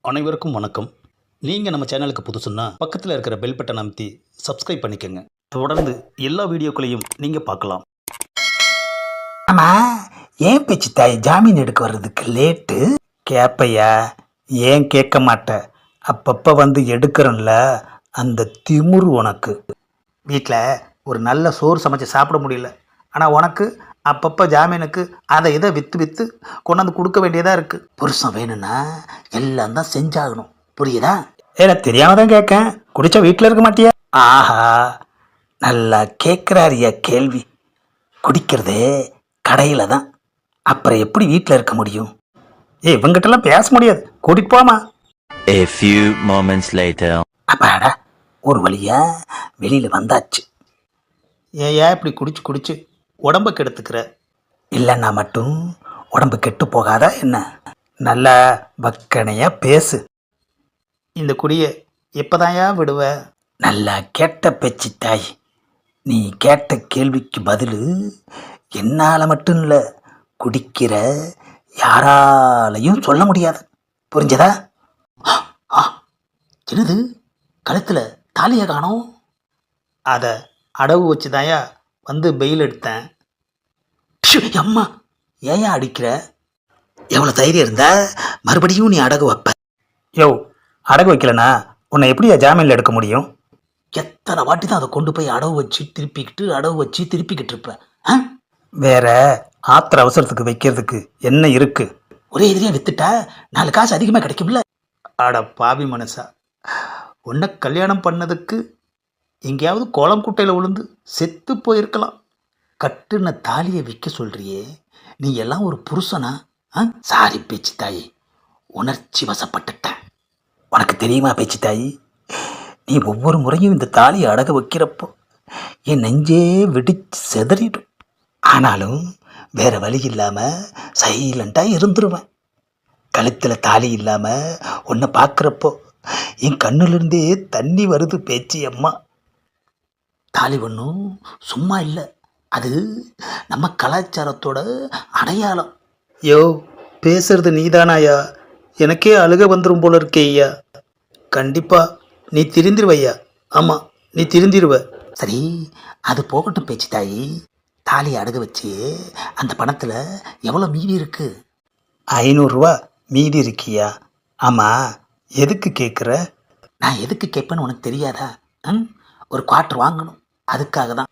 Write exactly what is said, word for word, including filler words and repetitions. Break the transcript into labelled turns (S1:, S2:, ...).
S1: அனைவருக்கும் வணக்கம். நீங்கள் நம்ம சேனலுக்கு புதுசுன்னா பக்கத்தில் இருக்கிற பெல் பட்டன் அமைத்தி சப்ஸ்கிரைப் பண்ணிக்கோங்க. தொடர்ந்து எல்லா வீடியோக்களையும் நீங்கள் பார்க்கலாம்.
S2: ஆமாம், ஏன் பேச்சு தாய் ஜாமீன் எடுக்க வர்றதுக்கு லேட்டு? கேப்பையா? ஏன் கேட்க மாட்டேன்? அப்பப்போ வந்து எடுக்கிறோம்ல, அந்த திமிரு உனக்கு. வீட்டில் ஒரு நல்ல சோறு சமைச்சு சாப்பிட முடியல, ஆனால் உனக்கு அப்பப்போ ஜாமீனுக்கு அதை இதை விற்று விற்று கொண்டாந்து கொடுக்க வேண்டியதாக இருக்குது. புருஷன் வேணும்னா எல்லாம் தான் செஞ்சாகணும், புரியுதா? எனக்கு தெரியாம தான் கேட்கேன். குடிச்சா வீட்டில் இருக்க மாட்டியா? ஆஹா, நல்லா கேட்குறாரியா கேள்வி. குடிக்கிறதே கடையில் தான், அப்புறம் எப்படி வீட்டில் இருக்க முடியும்? ஏ, இவங்கிட்டலாம் பேச முடியாது, கூட்டிகிட்டு போமா.
S3: A few moments later.
S2: அப்பாடா, ஒரு வழியா வெளியில் வந்தாச்சு. ஏயா இப்படி குடிச்சு குடிச்சு உடம்பை கெடுத்துக்கிற? இல்லைன்னா மட்டும் உடம்பு கெட்டு போகாதா என்ன? நல்லா வக்கனையா பேசு. இந்த குடியை எப்போதாயா விடுவ? நல்லா கேட்ட பேச்சு தாய். நீ கேட்ட கேள்விக்கு பதில் என்னால் மட்டும் இல்லை, குடிக்கிற யாராலையும் சொல்ல முடியாது, புரிஞ்சதா? என்னது, கழுத்தில் தாலியை காணோம்? அதை அடவு வச்சு தாயா வந்து பெயில் எடுத்தேன். அம்மா, ஏயா அடிக்கிற? எவ்வளோ தைரியம் இருந்தா மறுபடியும் நீ அடகு வைப்ப? யோ, அடகு வைக்கலனா உன்னை எப்படியா ஜாமீனில் எடுக்க முடியும்? எத்தனை வாட்டி தான் அதை கொண்டு போய் அடவு வச்சு திருப்பிக்கிட்டு அடவு வச்சு திருப்பிக்கிட்டு இருப்பேன். வேற ஆத்திர அவசரத்துக்கு வைக்கிறதுக்கு என்ன இருக்கு? ஒரே எதிரியா வித்துட்டா நாலு காசு அதிகமாக கிடைக்கும்ல. அட பாவி மனசா, உன்னை கல்யாணம் பண்ணதுக்கு எங்கேயாவது கோலம் குட்டையில் விழுந்து செத்து போயிருக்கலாம். கட்டுன தாலியை விற்க சொல்றியே, நீ எல்லாம் ஒரு புருஷனா? சாரி பேச்சு தாயி, உணர்ச்சி வசப்பட்டுட்டேன். உனக்கு தெரியுமா பேச்சு தாயி, நீ ஒவ்வொரு முறையும் இந்த தாலியை அடக வைக்கிறப்போ என் நெஞ்சே வெடிச்சு செதறிடும். ஆனாலும் வேற வழி இல்லாமல் சைலண்டாக இருந்துருவேன். கழுத்தில் தாலி இல்லாமல் உன்னை பார்க்குறப்போ என் கண்ணுலேருந்தே தண்ணி வருது பேச்சு அம்மா. தாலி ஒன்றும் சும்மா இல்லை, அது நம்ம கலாச்சாரத்தோட அடையாளம். யோ, பேசுறது நீதானாயா? எனக்கே அழுக வந்துடும் போல இருக்கே ஐயா. கண்டிப்பாக நீ திருந்திருவையா. ஆமாம், நீ திருந்திருவ. சரி, அது போகட்டும் பேச்சு தாயி. தாலி அடகு வச்சு அந்த பணத்தில் எவ்வளோ மீதி இருக்கு? ஐநூறுரூவா மீதி இருக்கியா? ஆமாம், எதுக்கு கேட்குற? நான் எதுக்கு கேட்பேன்னு உனக்கு தெரியாதா? ம் ஒரு குவார்ட்ரு வாங்கணும், அதுக்காக தான்.